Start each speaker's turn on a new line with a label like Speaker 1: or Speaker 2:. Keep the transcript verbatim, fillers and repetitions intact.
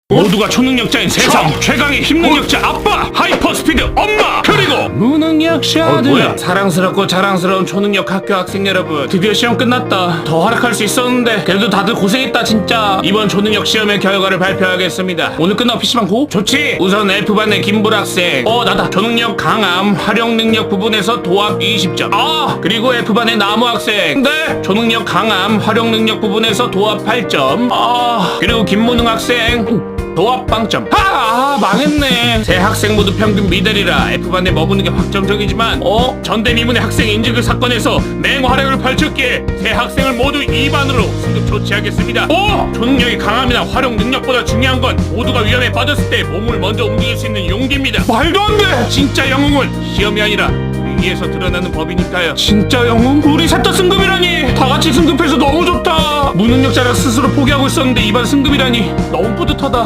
Speaker 1: 모두가 초능력자인 세상 최강의 힘능력자 아빠, 하이퍼스피드 엄마, 그리고 무능력자들. 어, 뭐야? 사랑스럽고 자랑스러운 초능력 학교 학생 여러분, 드디어 시험 끝났다. 더 활약할 수 있었는데 그래도 다들 고생했다 진짜. 이번 초능력 시험의 결과를 발표하겠습니다. 오늘 끝나고 피시방 고? 좋지. 우선 F반의 김불 학생, 어 나다. 초능력 강함, 활용 능력 부분에서 도합 이십 점. 아 그리고 F반의 나무 학생, 네 초능력 강함, 활용 능력 부분에서 도합 팔 점. 아 그리고 김무능 학생 도합 빵점. 아, 아 망했네. 세 학생 모두 평균 미들이라 F반에 머무는 게 확정적이지만 어? 전대미문의 학생 인증글 사건에서 맹활약을 펼쳤기에 세 학생을 모두 이 반으로 승급 조치하겠습니다. 오! 초능력이 강함이나 활용 능력보다 중요한 건 모두가 위험에 빠졌을 때 몸을 먼저 움직일 수 있는 용기입니다. 말도 안 돼! 진짜 영웅은 시험이 아니라 위기에서 드러나는 법이니까요. 진짜 영웅? 우리 셋 다 승급이라니! 다 같이 승급해서 너무 좋다! 무능력자라 스스로 포기하고 있었는데 이반 승급이라니 너무 뿌듯하다.